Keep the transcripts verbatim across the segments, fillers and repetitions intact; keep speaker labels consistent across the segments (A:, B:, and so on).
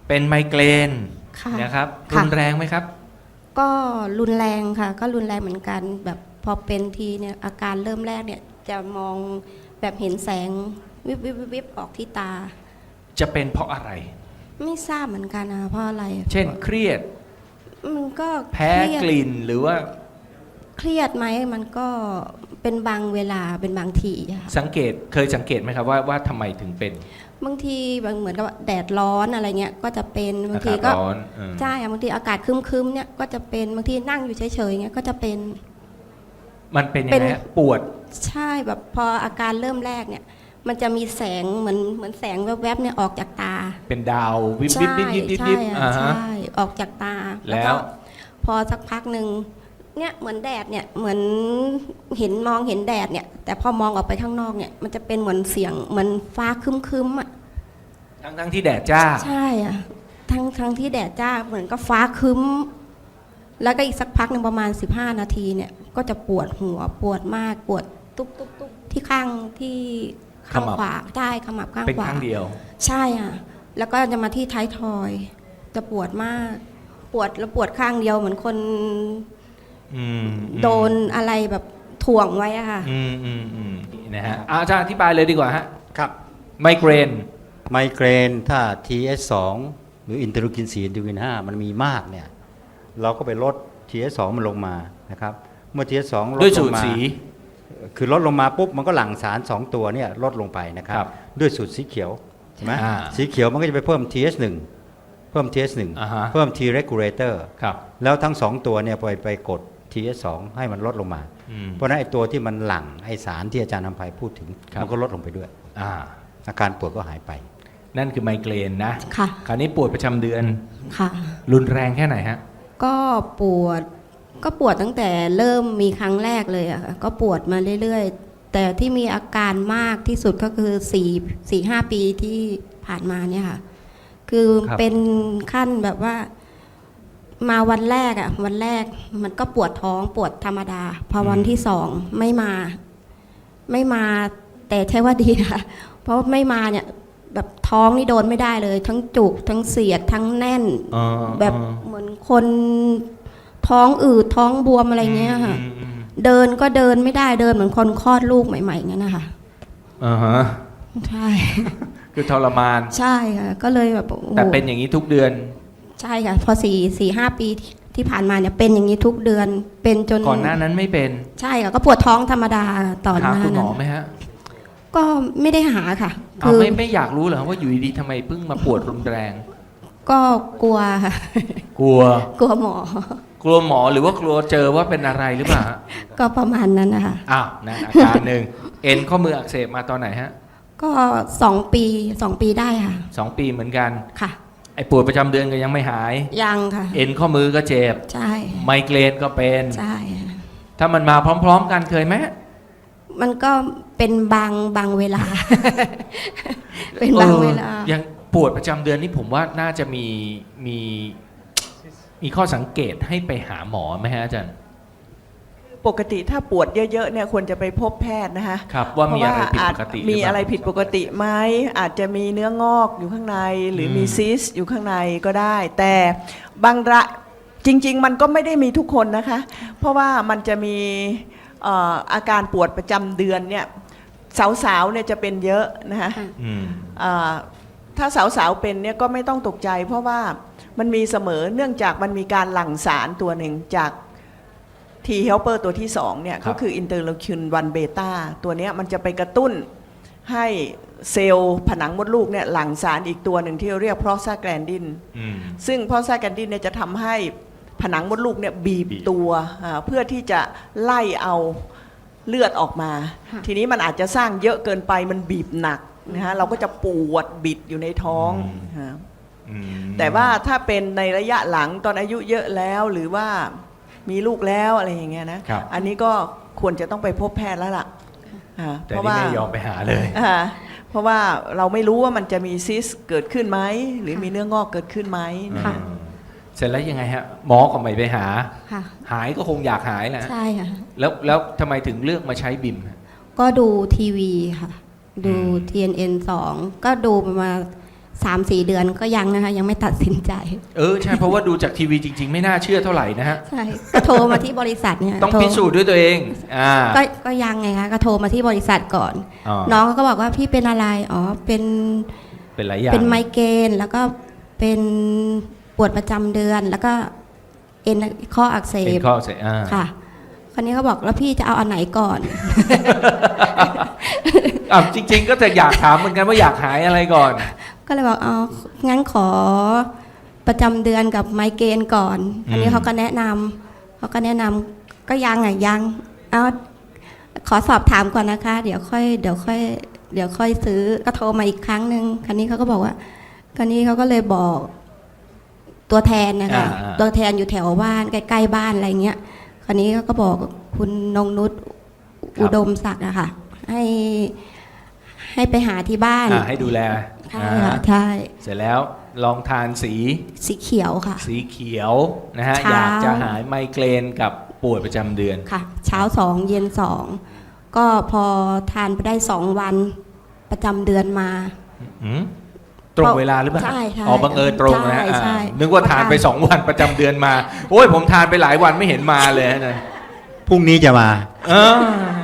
A: เป็นไมเกรน
B: ค่ะ
A: นะครับรุ
B: ค่ะ
A: นแรงไหมครับ
B: ก็รุนแรงค่ะ ก็รุนแรงเหมือนกัน แบบพอเป็นทีเนี่ยอาการเริ่มแรกเนี่ยจะมองแบบเห็นแสงวิบวิบวิบวิบออกที่ตา
A: จะเป็นเพราะอะไร
B: ไม่ทราบเหมือนกันนะเพราะอะไร
A: เช่นเครียด
B: มันก็
A: แพ้
B: เครียด
A: กลิ่นหรือว่า
B: เครียดไหมมันก็เป็นบางเวลาเป็นบางทีอะค่ะ
A: สังเกตเคยสังเกตไหมครับว่าว่าทำไมถึงเป็น
B: บางทีบางเหมือนกับว่าแดดร้อนอะไรเงี้ยก็จะเป็นบาง
A: อา
B: ที
A: กาศ
B: ก็
A: ร้อนเออ
B: ใช่อะบางทีอากาศครึมๆเนี่ยก็จะเป็นบางทีนั่งอยู่เฉยๆเงี้ยก็จะเป็น
A: มันเป็นยัง
B: เป็น
A: ไงฮะปวด
B: ใช่แบบพออาการเริ่มแรกเนี่ย มันจะมีแสงเหมือนเหมือนแสงแวบๆเนี่ยออกจากตา
A: เป็นดาววิบวิ
B: ใช่
A: บวิบวิบวิบ
B: ใช่
A: วิบ
B: อะ
A: อ่าฮะ
B: ใช่ออกจากตา
A: แล้ว
B: ก็พอสักพักหนึ่งเนี่ยเหมือนแดดเนี่ยเหมือนเห็นมองเห็นแดดเนี่ย แต่พอมองออกไปข้างนอกเนี่ย มันจะเป็นเหมือนเสียงเหมือนฟ้าครึ้มๆอ่ะ
A: ทั้งทั้งที่แดดจ้า
B: ใช่อ่ะทั้งทั้งที่แดดจ้าเหมือนก็ฟ้าครึ้ม แล้วก็อีกสักพักหนึ่งประมาณสิบห้านาทีเนี่ย ก็จะปวดหัวปวดมากปวดตุ๊บตุ๊บตุ๊บที่ข้างที่ข้าง
A: ขมับ
B: ขวาใช่ขมับข้าง
A: เป็น
B: ขวา
A: ครั้งเดียว
B: ใช่อ่ะ แล้วก็จะมาที่ท้ายทอย จะปวดมาก ปวดแล้วปวดข้างเดียวเหมือนคน
A: อืมอืม
B: โดนอะไรแบบถ่วงไว้อะค่ะ
A: อืมอืมอืมนะฮะอาอาจารย์อธิบายเลยดีกว่าฮะ
C: ครับ
A: ไมเกรน
C: ไมเกรนถ้า ที เอส สอง หรืออินเตอร์ลูคินสี่อินเตอร์ลูคินห้ามันมีมากเนี่ยเราก็ไปลด ที เอส สอง มันลงมานะครับเมื่อ ที เอส สอง ล
A: ด้วย
C: ดล
A: สู
C: ง
A: ตร
C: มา
A: สี
C: คือลดลงมาปุ๊บมันก็หลั่งสารสองตัวเนี่ยลดลงไปนะครับ
A: ครับ
C: ด้วยสูตรสีเขียวใช่ไหม
A: อ่า
C: สีเขียวมันก็จะไปเพิ่ม ที เอส หนึ่ง เพิ่ม ที เอส หนึ่ง
A: อ่าฮะ
C: เพิ่ม T regulator
A: ครับ
C: แล้วทั้งสองตัวเนี่ยไปไปกด ที เอส สอง ให้มันลดลงมา
A: อืม
C: เพราะฉะนั้นไอ้ตัวที่มันหลั่งไอ้สารที่อาจารย์นำภัยพูดถึง
A: ครับ
C: มันก็ลดลงไปด้วย
A: อ่า
C: อาการปวดก็หายไป
A: นั่นคือไมเกรนนะ
B: ค่ะ
A: คราวนี้ปวดประจำเดือน
B: ค่ะ
A: รุนแรงแค่ไหนฮะ
B: ก็ปวด ก็ปวดตั้งแต่เริ่มมีครั้งแรกเลยอะค่ะก็ปวดมาเรื่อยๆ แต่ที่มีอาการมากที่สุดก็คือสี่สี่ห้าปีที่ผ่านมาเนี่ยค่ะ คือ
A: ครับ
B: เป็นขั้นแบบว่า มาวันแรกอะวันแรกมันก็ปวดท้องปวดธรรมดา พอวันที่สองไม่มา ไม่มาแต่ใช่ว่าดีค่ะ เพราะไม่มาเนี่ย แบบท้องนี่โดนไม่ได้เลย ทั้งจุกทั้งเสียดทั้งแน่น
A: อ๋อ
B: แบบ
A: อ๋อ
B: เหมือนคนท้องอืดท้องบวมอะไรเงี้ยค่ะ
A: อืมอืม
B: เดินก็เดินไม่ได้เดินเหมือนคนคลอดลูกใหม่ๆงั้นนะคะ
A: อ่าฮะ
B: ใช่
A: คือทรมาน
B: ใช่ค่ะก็เลยแบบโอ้โห
A: แต่เป็นอย่างนี้ทุกเดือน
B: ใช่ค่ะ พอสี่สี่ห้าปีที่ที่ผ่านมาเนี่ยเป็นอย่างนี้ทุกเดือนเป็นจน
A: ก่อนหน้านั้นไม่เป็น
B: ใช่ค่ะก็ปวดท้องธรรมดาต่อ
A: หา
B: หน้า
A: คุณหม
B: นั้
A: อน ไหมฮะ
B: ก็ไม่ได้หาค่ะ
A: เอา
B: คือ
A: ไม่ไม่อยากรู้เหรอว่าอยู่ดีๆทำไมเพิ่งมาปวดรุนแรง
B: ก็กลัวค่ะ
A: กลัว
B: กลัวหมอ
A: กลัวหมอหรือว่ากลัวเจอว่าเป็นอะไรหรือเปล่าฮะ
B: ก็ประมาณนั้นนะคะ
A: อ้าวนั่นอาการหนึ่ง เอ็นข้อมืออักเสบมาตอนไหนฮะ
B: ก็สองปีสองปีได้ค่ะ
A: สองปีเหมือนกัน
B: ค่ะ
A: ไอ้ปวดประจำเดือนก็ยังไม่หาย
B: ยังค่ะ
A: เอ็นข้อมือก็เจ็บ
B: ใช่
A: ไมเกรนก็เป็น
B: ใช่ค่ะ
A: ถ้ามันมาพร้อม ๆ กันเคยไหม
B: มันก็เป็นบางบางเวลา เป็นบางเวลา
A: ออยังปวดประจำเดือนนี่ผมว่าน่าจะมีมีมีข้อสังเกตให้ไปหาหมอไหมฮะอาจารย์
D: ปกติถ้าปวดเยอะๆเนี่ยควรจะไปพบแพทย์นะคะ
A: ครับว่ามีอะไรผิด
D: เพา
A: ปกติ
D: ว่าอาจมีอะไรผิดปกติไหมอาจจะมีเนื้องอกอยู่ข้างในหรือมี
A: อืม
D: ซิสต์อยู่ข้างในก็ได้ แต่บางระจริงๆ มันก็ไม่ได้มีทุกคนนะคะ เพราะว่ามันจะมีเอ่ออาการปวดประจำเดือนเนี่ยสาวๆเนี่ยจะเป็นเยอะนะคะ
A: อืม
D: อ่าถ้าสาวๆเป็นเนี่ยก็ไม่ต้องตกใจ เพราะว่ามันมีเสมอเนื่องจากมันมีการหลั่งสารตัวหนึ่งจาก T helper ตัวที่สองเนี่ย
A: ครับ
D: ก็คืออินเตอร์โลคินวันเบต้าตัวเนี้ยมันจะไปกระตุ้นให้เซลล์ผนังมดลูกเนี่ยหลั่งสารอีกตัวหนึ่งที่เรียกโพรสตาแกลนดิน
A: อืม
D: ซึ่งโพรสตาแกลนดินเนี่ยจะทำให้ผนังมดลูกเนี่ยบีบ
A: บีบ
D: ตัวอ่าเพื่อที่จะไล่เอาเลือดออกมา
B: ค่ะ
D: ทีนี้มันอาจจะสร้างเยอะเกินไปมันบีบหนักนะฮะเราก็จะปวดบิดอยู่ในท้องฮะ
A: อืม
D: แต่ว่าถ้าเป็นในระยะหลังตอนอายุเยอะแล้วหรือว่ามีลูกแล้วอะไรอย่างเงี้ยนะครับ อันนี้ก็ควรจะต้องไปพบแพทย์แล้วล่ะอ่า
A: แต่
D: เพราะ
A: นี่
D: ว่า
A: ไม่ยอมไปหาเลย
D: อ่าเพราะว่าเราไม่รู้ว่ามันจะมีซิสเกิดขึ้นไหมหรือมีเนื้องอกเกิดขึ้นไหม
B: ค่ะ
A: อืมเสร็จแล้วยังไงฮะ หมอก็ไม่ไปหา
B: ค่ะ
A: หายก็คงอยากหายแหละ
B: ใช่ค่ะ
A: แล้วแล้วทำไมถึงเลือกมาใช้บิมฮะ
B: ก็ดูทีวีค่ะ ดู
A: อืม
B: ที เอ็น เอ็น สองก็ดูประมาณสามสี่เดือนก็ยังนะคะ ยังไม่ตัดสินใจ
A: เออใช่เพราะว่าดูจากทีวีจริง ๆ ไม่น่าเชื่อเท่าไหร่นะฮะ
B: ใช่ก็โทรมาที่บริษัทเนี่ย
A: ต้อง
B: โทร
A: พิสูจน์ด้วยตัวเองอ่า
B: ก็ก็ยังไงคะก็โทรมาที่บริษัทก่อน
A: อ๋อ
B: น้องก็บอกว่าพี่เป็นอะไรอ๋อเป็น
A: เป็นหลายอย่าง
B: เป็นไมเกรนแล้วก็เป็นปวดประจำเดือน แล้วก็เอ็นข้ออักเส
A: เป็
B: บ
A: นข้อเสียอ่า
B: ค่ะคนนี้เขาบอกแล้วพี่จะเอาอันไหนก่อน
A: อ่ะจริง ๆ ก็จะอยากถามเหมือนกันว่าอยากหายอะไรก่อน
B: ก็เลยบอกเอางั้นขอประจำเดือนกับไมเกรนก่อนอันนี้
A: อืม
B: เขาก็แนะนำเขาก็แนะนำก็ยังอ่ะยังเอาขอสอบถามก่อนนะคะ เดี๋ยวค่อยเดี๋ยวค่อยเดี๋ยวค่อยซื้อก็โทรมาอีกครั้งหนึ่งคันนี้เขาก็บอกว่าคันนี้เขาก็เลยบอกตัวแทนนะคะ
A: อ่าๆ
B: ตัวแทนอยู่แถวบ้านใกล้ๆบ้านอะไรเงี้ยคันนี้เขาก็บอกคุณนงนุชอุดมศักดิ์อะค่ะให้ให้ไปหาที่บ้าน
A: อ่าให้ดูแล
B: ใช่
A: อ่า
B: ค่ะใช่
A: เสร็จแล้วลองทานสี
B: สีเขียวค่ะ
A: สีเขียวนะฮะ
B: เช้า
A: อยากจะหายไมเกรนกับปวดประจำเดือน
B: ค่ะ เช้าสองเย็นสองก็พอทานไปได้สองวันประจำเดือนมา
A: อืมตรงเวลาหรือเปล่า
B: ใช่ใช่
A: อ๋อบังเอิญตรงนะฮะ
B: ใช่ใช่
A: อ่านึกว่าทานไปสองวันประจำเดือนมา โอ้ยผมทานไปหลายวันไม่เห็นมาเลยนะ
C: พรุ่งนี้จะมา
A: เออ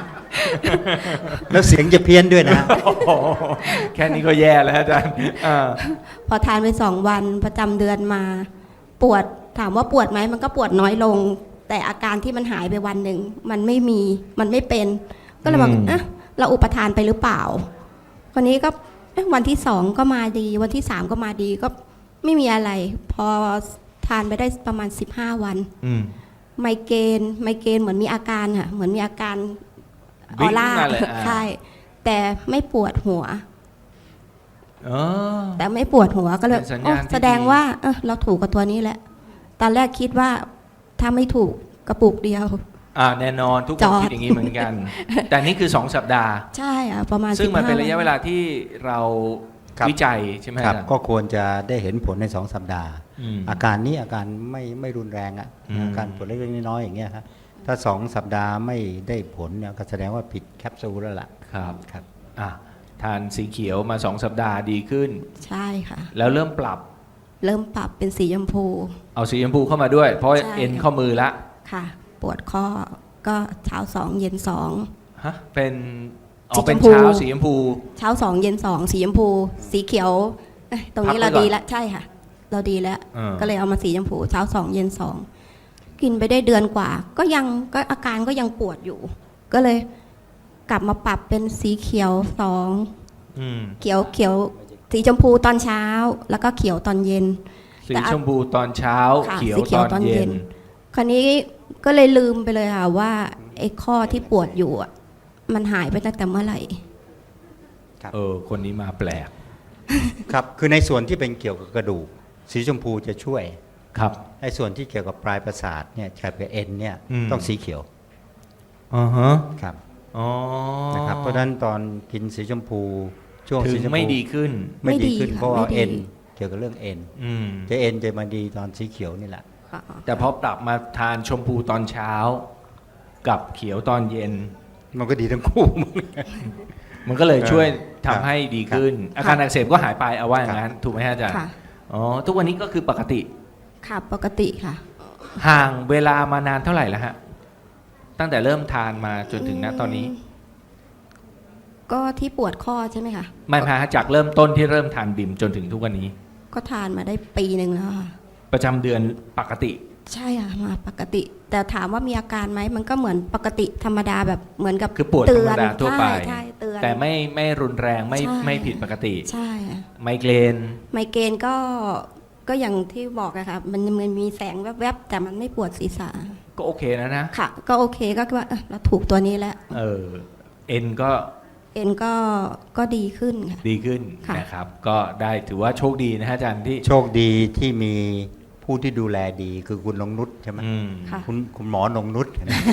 C: แล้วเสียงจะเพี้ยนด้วยนะ
A: โอ้โหแค่นี้ก็แย่แล้วอาจารย์อ่า
B: พอทานไปสองวันประจำเดือนมา ปวดถามว่าปวดไหมมันก็ปวดน้อยลง แต่อาการที่มันหายไปวันหนึ่งมันไม่มีมันไม่เป็น ก็เลยบอกเอ๊ะเราอุปทานไปหรือเปล่าคนนี้ก็เอ๊ะวันที่สองก็มาดี วันที่สามก็มาดีก็ไม่มีอะไร พอทานไปได้ประมาณสิบห้าวัน
A: อืม
B: ไมเกรนไมเกรนเหมือนมีอาการค่ะเหมือนมีอาการอ
A: วิ่
B: อง ร่า
A: มาเลยอ่า
B: ใช่แต่ไม่ปวดหัว
A: อ๋อ
B: แต่ไม่ปวดหัวก็เลย
A: เป็นสัญญาณ
B: โอ้
A: ที่
B: แสดง
A: ดี
B: ว่าเออเราถูกกับตัวนี้แหละ ตอนแรกคิดว่าถ้าไม่ถูกกระปุกเดียว
A: อ่าแน่นอนทุกค
B: จ
A: น
B: อด
A: คิดอย่างนี้เหมือนกัน แต่นี่คือสองสัปดาห์
B: ใช่อ่ะประมาณ
A: ซึ่งมันเป็น
B: สิบห้
A: ระยะเวลาที่เรา
C: ครับ
A: วิจัยใช่ไหม
C: ครับ
A: อาจารย์
C: ก็ควรจะได้เห็นผลในสองสัปดาห์
A: อืม
C: อาการนี้อาการไม่ไม่รุนแรงอะ
A: อืม
C: อาการปวดเล็กๆน้อยๆอย่างเงี้ยครับถ้าสองสัปดาห์ไม่ได้ผลเนี่ยก็แสดงว่าผิดแคปซูลแล้วล่ะ
A: ครับ
C: ครับ
A: อ่ะทานสีเขียวมาสองสัปดาห์ดีขึ้น
B: ใช่ค่ะ
A: แล้วเริ่มปรับ
B: เริ่มปรับเป็นสีชมพู
A: เอาสีชมพูเข้ามาด้วย เพราะ
B: ใช่
A: เอ็นข้อมือละ
B: ค่ะ ปวดข้อก็เช้าสองเย็นสอง
A: ฮะเป็นอ๋
B: สี
A: อเป็น
B: ชมพู
A: เช้าสีชมพู
B: เช้าสองเย็นสองสีชมพู สีเขียวเอ้ยตรงนี้
A: พั
B: เรา
A: กไว้ก่อน
B: ดีแล้วใช่ค่ะ เราดีแล้ว
A: เออ
B: ก็เลยเอามาสีชมพู เช้าสองเย็นสองกินไปได้เดือนกว่า ก็ยังก็อาการก็ยังปวดอยู่ ก็เลยกลับมาปรับเป็นสีเขียวสอง
A: อืม
B: เขียวเขียวสีชมพูตอนเช้า แล้วก็เขียวตอนเย็น
A: สี
B: แต่
A: ชมพูตอนเช้า
B: ค่ะ
A: เขียว
B: สีเขียว
A: ตอน
B: ตอนเย็
A: เย็น
B: น คราวนี้ก็เลยลืมไปเลยค่ะว่าไอ้ข้อที่ปวดอยู่อะมันหายไปตั้งแต่เมื่อไหร่
A: เออ คนนี้มาแปลก
C: ครับคือในส่วนที่เป็นเกี่ยวกับกระดูก สีชมพูจะช่วย
A: ครับ
C: ในส่วนที่เกี่ยวกับปลายประสาทเนี่ยเกี่ยวกับเอ็นเนี่ย
A: อืม
C: ต้องสีเขียว
A: อ๋อฮะ
C: ครับ
A: อ๋อ
C: นะครับเพราะฉะนั้นตอนกินสีชมพูช่วง
A: ถึ
C: สี
A: ง
C: ชมพู
A: ไม่ดีขึ้น
C: ไม่ดี
B: ไม่ดี
C: ขึ้น
B: ค่ะ
C: เพราะว่า
B: ไม่ดี
C: เอ็นเกี่ยวกับเรื่องเอ็น
A: อืม
C: จะเอ็นจะมาดีตอนสีเขียวนี่แหละ
A: แต่พอปรับมาทานชมพูตอนเช้า กับเขียวตอนเย็น
C: มันก็ดีทั้งคู่
A: มันก็เลยช่วย
C: ครั
A: ทำ
C: บ
A: ให้ดีขึ้น อาการอักเสบก็หายไปเอาว่าอย่างนั้น ถูกไหมฮะอาจารย์
B: ค่ะ
A: อ๋อ ทุกวันนี้ก็คือปกติ
B: ค่ะปกติค่ะ
A: ห่างเวลามานานเท่าไหร่แล้วฮะ ตั้งแต่เริ่มทานมาจนถึงณตอนนี้
B: ก็ที่ปวดข้อใช่ไหมคะ
A: ไม่พาจากเริ่มต้นที่เริ่มทานบิมจนถึงทุกวันนี้
B: ก็ทานมาได้ปีหนึ่งแล้วค่ะ
A: ประจำเดือนปกติ
B: ใช่ค่ะมาปกติ แต่ถามว่ามีอาการไหมมันก็เหมือนปกติธรรมดาแบบเหมือนกับ
A: คือปวดธร
B: เตื
A: ร
B: อ
A: ม
B: น
A: ดาทั่วไป
B: ใช่ใช่เตือน
A: แต่ไม่ไม่รุนแรงไม่
B: ใช่
A: ไม่ผิดปกติ
B: ใช่ค่ะ
A: ไมเกรน
B: ไมเกรนก็ก็อย่างที่บอกอะค่ะมันมันมีแสงแวบๆแต่มันไม่ปวดศีรษะ
A: ก็โอเคนะนะ
B: ค่ะ ก็โอเคก็คิดว่าเอ้อเราถูกตัวนี้แล้ว
A: เออ เอ็นก็
B: เอ็นก็ก็ดีขึ้นค่ะ
A: ดีขึ้น
B: ค่ะ
A: นะครับ ก็ได้ถือว่าโชคดีนะฮะอาจารย์ที่
C: โชคดีที่มีผู้ที่ดูแลดีคือคุณนงนุชใช่ไหม
A: อืม
B: ค่ะ
C: คุณคุณหมอนงนุช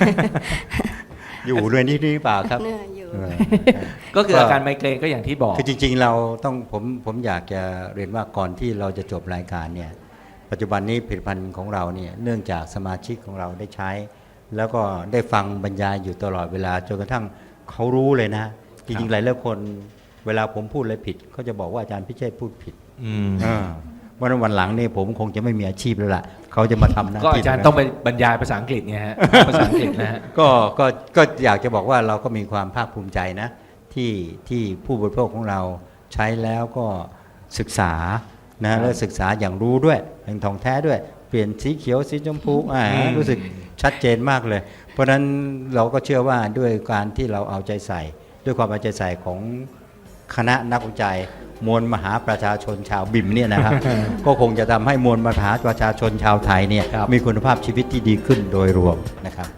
C: อยู่ด้วยนี่หรือเปล่าครับ
B: เหนื่อยอยู่
C: เออ
A: ก็คืออาการไมเกรนก็อย่างที่บอก
C: คือจริงๆเราต้องผมผมอยากจะเรียนว่าก่อนที่เราจะจบรายการเนี่ยปัจจุบันนี้ผลิตภัณฑ์ของเราเนี่ยเนื่องจากสมาชิกของเราได้ใช้ แล้วก็ได้ฟังบรรยายอยู่ตลอดเวลาจนกระทั่งเขารู้เลยนะ จริงๆหลายหลายคนเวลาผมพูดอะไรผิดเขาจะบอกว่าอาจารย์พิเชษฐ์พูดผิด
A: อืม
C: เออวันวันหลังนี่ผมคงจะไม่มีอาชีพแล้วล่ะเขาจะมาทำหน้า
A: ก็
C: ที่
A: อาจารย์ต้องไปบรรยายภาษาอังกฤษไงฮะ ภาษาอังกฤษนะฮะ
C: ก็ก็ก็อยากจะบอกว่าเราก็มีความภาคภูมิใจนะที่ที่ผู้บริโภคของเราใช้แล้วก็ศึกษานะแล้วศึกษาอย่างรู้ด้วยอย่างทองแท้ด้วย เปลี่ยนสีเขียวสีชมพูอ่า
A: อืม
C: รู้สึกชัดเจนมากเลย เพราะฉะนั้นเราก็เชื่อว่าด้วยการที่เราเอาใจใส่ ด้วยความเอาใจใส่ของคณะนักวิจัยมวลมหาประชาชนชาวบิมเนี่ยนะครับ ก็คงจะทำให้มวลมหาประชาชนชาวไทยเนี่ย
A: ครับ
C: มีคุณภาพชีวิตที่ดีขึ้นโดยรวมนะครับ